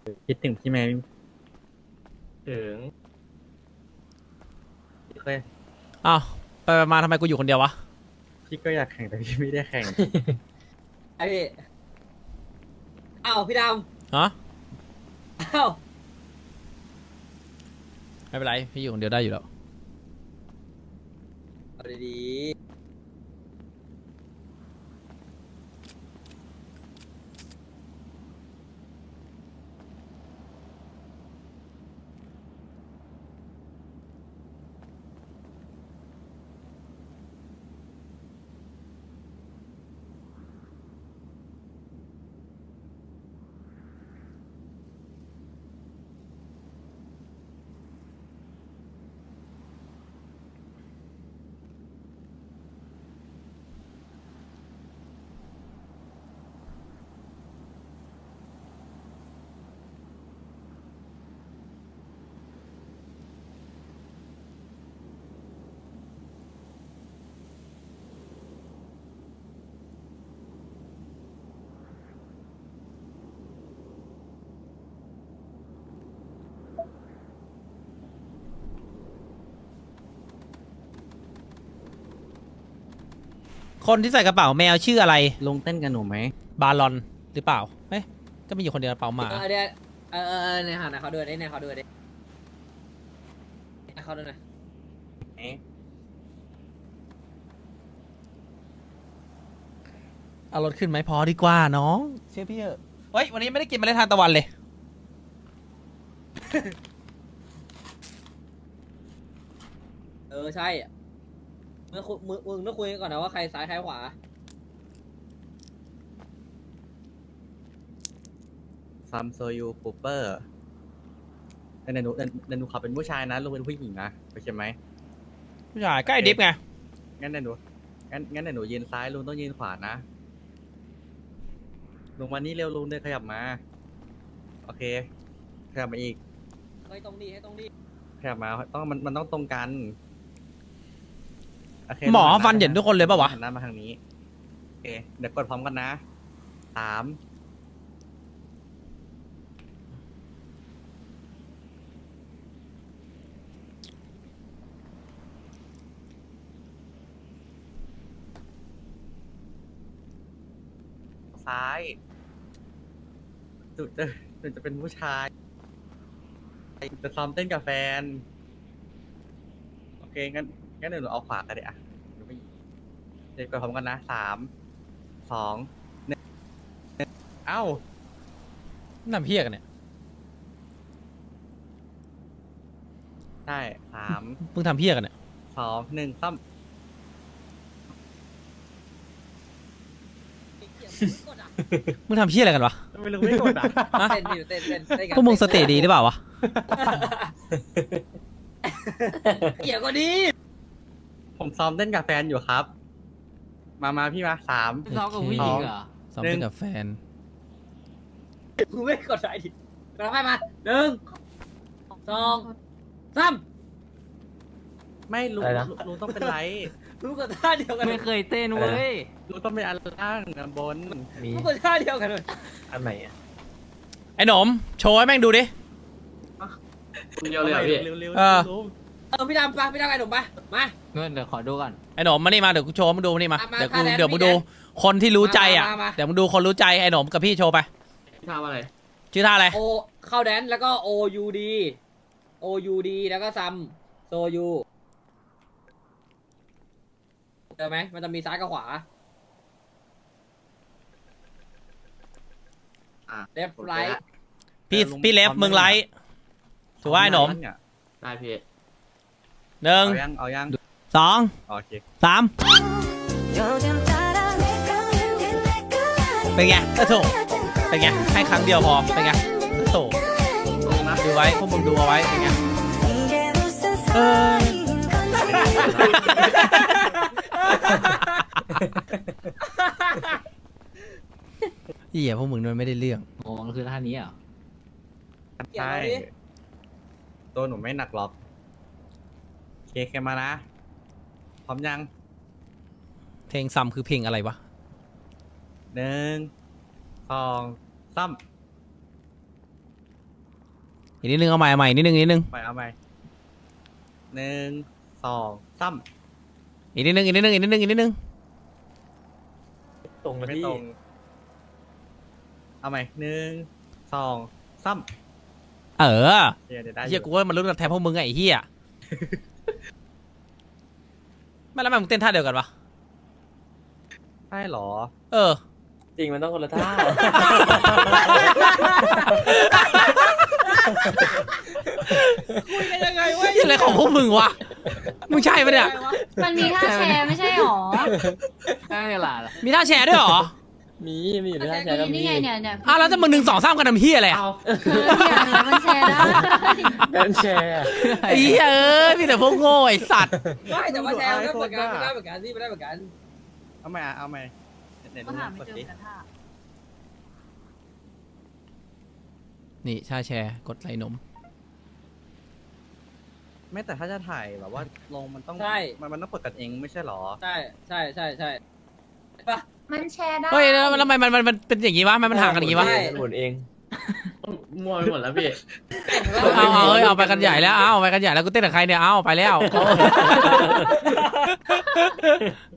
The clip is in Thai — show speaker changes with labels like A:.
A: คิดถึงพี่ไหม
B: ถึง
A: พี่เคย
C: อ้าวไปมาทำไมกูอยู่คนเดียววะ
A: พี่ก็อยากแข่งแต่พี่ไม่ได้แข่ง
D: ไอพี่อ้าวพี่ด
C: ฮะ
D: ำอ้าว
C: ไม่เป็นไรพี่อยู่คนเดียวได้อยู่แล้ว
D: เอาดี
C: คนที่ใส่กระเป๋าแมวชื่ออะไร
A: ลงเต้นกันหนูไหม
C: บาลอนหรือเปล่าเฮ้ยก็มีอยู่คนเดียวกระเป๋าหมา
D: เดี๋ยวในหานะเขาด้วยในเขาด้วยดิในเขาด้วยนะ
A: เอ๊ะ
C: เอารถขึ้นไหมพอดีกว่าน้องเชื่อพี่เถอะเฮ้ยวันนี้ไม่ได้กินเมล็ดทานตะวันเลย
D: ใช่มึงต้องคุยกันก่อนนะว่าใครซ้ายใครขวา
A: ซัมโซยูคูเปอร์แต่หนูขับเป็นผู้ชายนะลุงเป็นผู้หญิงนะโอเคไหม
C: ผู้ชายใกล้ดิฟไง
A: งั้นเดี๋ยวหนูงั้นเดี๋ยวหนูยืนซ้ายลุงต้องยืนขวานะลุงมานี่เร็วลุงเดินขยับมาโอเคขยับมาอีก
D: ให้ตรงดีให้ตรงดี
A: ขยับมาต้องมันต้องตรงกันโอเค
C: หมอ
A: ลุง
C: ฟันเหยินทุกคนเลยปะวะ
A: หันหน้ามาทางนี้โอเคเดี๋ยวกดพร้อมกันนะสามซ้ายจุดจะเป็นผู้ชายจะซ้อมเต้นกับแฟนโอเคงั้นเดี๋ยวหนูเอาขวากันเดี๋ยวอะเดี๋ยวกดพร้อมกันนะสามสองหนึ่งเอ้า
C: นั่นเพี้ยกันเนี่ย
A: ได้สาม
C: เพิ่งทำเพี้ยกันเนี่ย
A: สองหนึ่งซ้
D: กดอ่ะ
C: มึงทำเพี้ยอะไรกันวะ
A: ำไม่รู้ไม่กดอ่ะ
C: ฮะ
D: เต้นดิเต้นกัน
C: พวกมึงสติดีหรือเปล่าวะ
D: เกี่ยวก็ดี
A: ผมซ้อมเต้นกับแฟนอยู่ครับ มาพี่มาสาม
D: ซ้อมกับผู้หญิงเหรอ
C: ซ้อมเต้นกับแฟน
D: กูไม่กดได้ดิกดไปมาหนึ่งสองสาม
A: ไม่รู้
B: อะไรนะ
A: รู้ต้องเป็นไร
D: รู้กดท่าเดียวกัน
E: ไม่เคยเต้นเว้ย
A: รู้ต้องเป็นอันล่างอันบน
B: มี
D: รู้กดท่าเดียวกันเลย
B: อันไหนอ่ะ
C: ไอ้หนมโชว์ให้แม่งดูดิ
B: เดียวเลยเหรอพี่
A: เร็ว
C: เออ
D: พี่ดำไปพี่ดำไงหนุ่มไปมา
E: เงินเดี๋ยวขอดูก่อน
C: ไอ้หนมมานี่มาเดี๋ยวกูโชว์ให้มึงดูนี่มา
D: มา
C: เดี๋ยวกู
D: ค่าแรง
C: เดี๋ยวมึง
D: พี่
C: ดู
D: แดน
C: คนที่รู้ใจอ่ะ
D: มา
C: เดี๋ยวมึงดูคนรู้ใจไอ้หนมกับพี่โชว์ไป
B: ทำอะไร
C: ชื่อท่าอะไร
D: โอเข้าแดนแล้วก็ OUD แล้วก็ซัมโซยูเจอไหมมันจะมีซ้ายกับขวา
A: อ่ะ
D: left right
C: พี่เลฟมึงไลท์ถูกว่าไอ้หนม
B: ได้พี่
C: หนึ่ง
A: เอายัง
C: สอง
A: โอเค
C: สามเป็นไงก็ถูกเป็นไงให้ครั้งเดียวพอเป็นไงก็ถูกดูไว้พวกมึงดูเอาไว้เป็นไงเออเหี้ยพวกมึงมันไม่ได้เรื่อง
E: โอ้มันคือท่านี้เหรอ
D: เกี่ยว
A: ใช่
D: กับนี้
A: ตัวหนูไม่หนักหรอกโอเคแค่มานะ พร้อมยัง
C: เพลงซัมคือเพลงอะไรวะ
A: หนึ่งสองซ้
C: อีกนิดนึงเอาใหม่เอาใหม่นิดนึงนิดนึง
A: ไปเอาใหม่หนึ่งสองซ้
C: อีกนิดนึงอีกนิดนึงอีกนิดนึงอีกนิดนึง
F: ตรง
A: ำ
F: นะ
A: ไม่
F: พี่
A: ตรงเอาใหม่หนึ่งสองซ้
C: เออ
A: ำเดี๋ยวได้
C: เฮียกูว่ามันรู้กันแทนพวกมึงไงไอ้เฮียไม่แล้วทำไมมึงเต้นท่าเดียวกันวะ
A: ใช่หรอ
C: เออ
F: จริงมันต้องคนละท่า
C: ยังไงวะอะไรของพวกมึงวะมึงใช่ปะเนี่ย
G: มันมีท่าแชร์ไม่ใช่หรอ
E: ได้เวลาละ
C: มีท่าแชร์ด้วยเหรอ
F: มีอยู่ในท่าแชร์ก็มี
G: นี่ไงเนี่ย
C: อ้าวแล้วจะมึง1 2 3กันทำเฮียอะไรอ่ะ
B: เอา
G: เนี่ยมันแชร์ได้
F: แบนแชร์อะ
C: ไอ้เหี้ยเอ้ยมีแต่พวกโง่ไอ้สัตว์
D: ไม่แต่ว่าแชร์มันก็เหมือนกันมันได้เหมือนกันนี่มันได้เหมือนกัน
A: เอาใหม่เอาใหม่ไหน
G: ก็
A: ดู
G: หาไม่
A: กด
G: เจอ
A: ดิ
G: กันท่า
C: นี่ท่าแชร์กดไหลนม
A: ไม่แต่ถ้าจะถ่ายแบบว่าลงมันต้อง
D: ใช่
A: มันต้องกดกันเองไม่ใช่หรอ
D: ใช่ใช่ใช่ใช่ปะ
G: มันแชร์ได้
C: เฮ้ยแล้วทำไมมันเป็นอย่างงี้วะมันห่างกันอย่างงี้วะ
D: ใช่
F: หมุนเอง
B: มั่วไปหมดแล้วพี่
C: เอาเฮ้ยเอาไปกันใหญ่แล้วเอาไปกันใหญ่แล้วกูเต้นกับใครเนี่ยเอาไปแล้ว